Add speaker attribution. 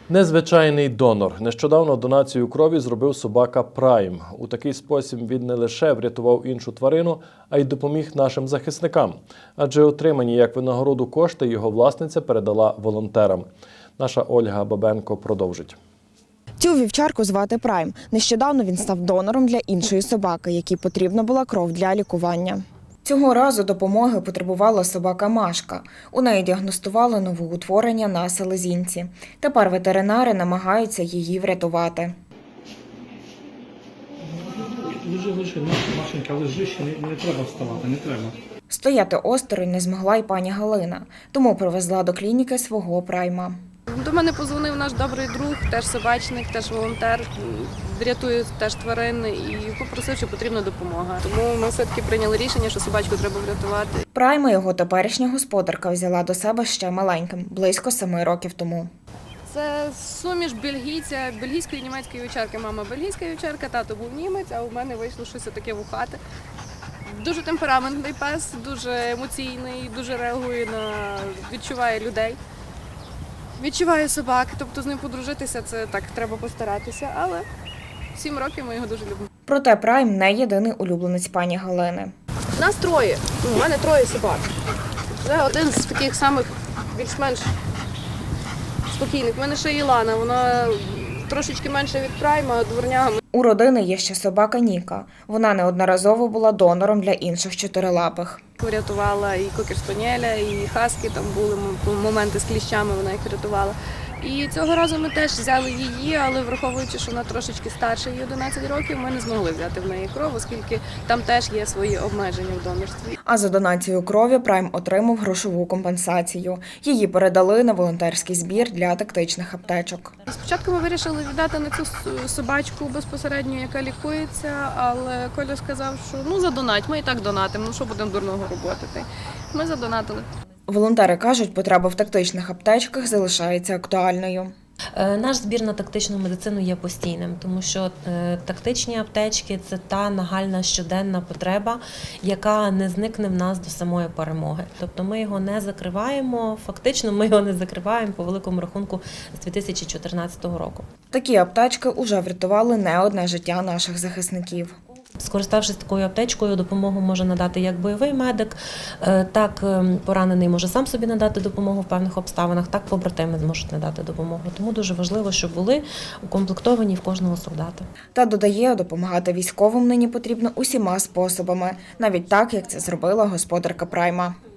Speaker 1: Незвичайний донор. Нещодавно донацію крові зробив собака Прайм. У такий спосіб він не лише врятував іншу тварину, а й допоміг нашим захисникам. Адже отримані як винагороду кошти його власниця передала волонтерам. Наша Ольга Бабенко продовжить.
Speaker 2: Цю вівчарку звати Прайм. Нещодавно він став донором для іншої собаки, якій потрібна була кров для лікування. Цього разу допомоги потребувала собака Машка. У неї діагностували новоутворення на селезінці. Тепер ветеринари намагаються її врятувати.
Speaker 3: Лежи, Машенька, лежи, ще не треба вставати, не треба.
Speaker 2: Стояти осторонь не змогла й пані Галина, тому привезла до клініки свого Прайма.
Speaker 4: До мене подзвонив наш добрий друг, теж собачник, теж волонтер, рятує теж тварин і попросив, що потрібна допомога. Тому ми все-таки прийняли рішення, що собачку треба врятувати.
Speaker 2: Прайма його теперішня господарка взяла до себе ще маленьким, близько 7 років тому.
Speaker 4: Це суміш бельгійської і німецької вівчарки. Мама бельгійська вівчарка, тато був німець, а у мене вийшло щось таке вухате. Дуже темпераментний пес, дуже емоційний, дуже реагує відчуває людей. Відчуваю собак, тобто з ним подружитися, це так, треба постаратися, але 7 років ми його дуже любимо.
Speaker 2: Проте Прайм не єдиний улюбленець пані Галини.
Speaker 4: Нас 3, у мене 3 собак. Це один з таких самих більш-менш спокійних. У мене ще Ілана, вона трошечки менше від Прайма, дворняга.
Speaker 2: У родини є ще собака Ніка. Вона неодноразово була донором для інших чотирилапих.
Speaker 4: Врятувала і кокер-спаніеля, і хаски, там були моменти з кліщами, вона їх врятувала. І цього разу ми теж взяли її, але враховуючи, що вона трошечки старша, їй 11 років, ми не змогли взяти в неї кров, оскільки там теж є свої обмеження в донорстві.
Speaker 2: А за донацію крові Прайм отримав грошову компенсацію. Її передали на волонтерський збір для тактичних аптечок.
Speaker 4: Спочатку ми вирішили віддати на цю собачку безпосередньо, яка лікується, але Коля сказав, що задонать, ми і так донатимо, що будемо дурного робити. Ми задонатили.
Speaker 2: Волонтери кажуть, потреба в тактичних аптечках залишається актуальною.
Speaker 5: Наш збір на тактичну медицину є постійним, тому що тактичні аптечки – це та нагальна щоденна потреба, яка не зникне в нас до самої перемоги. Тобто ми його не закриваємо, фактично ми його не закриваємо по великому рахунку з 2014 року.
Speaker 2: Такі аптечки уже врятували не одне життя наших захисників.
Speaker 5: Скориставшись такою аптечкою, допомогу може надати як бойовий медик, так поранений може сам собі надати допомогу в певних обставинах, так побратими зможуть надати допомогу. Тому дуже важливо, щоб були укомплектовані в кожного солдата.
Speaker 2: Та додає, допомагати військовим нині потрібно усіма способами, навіть так, як це зробила господарка Прайма.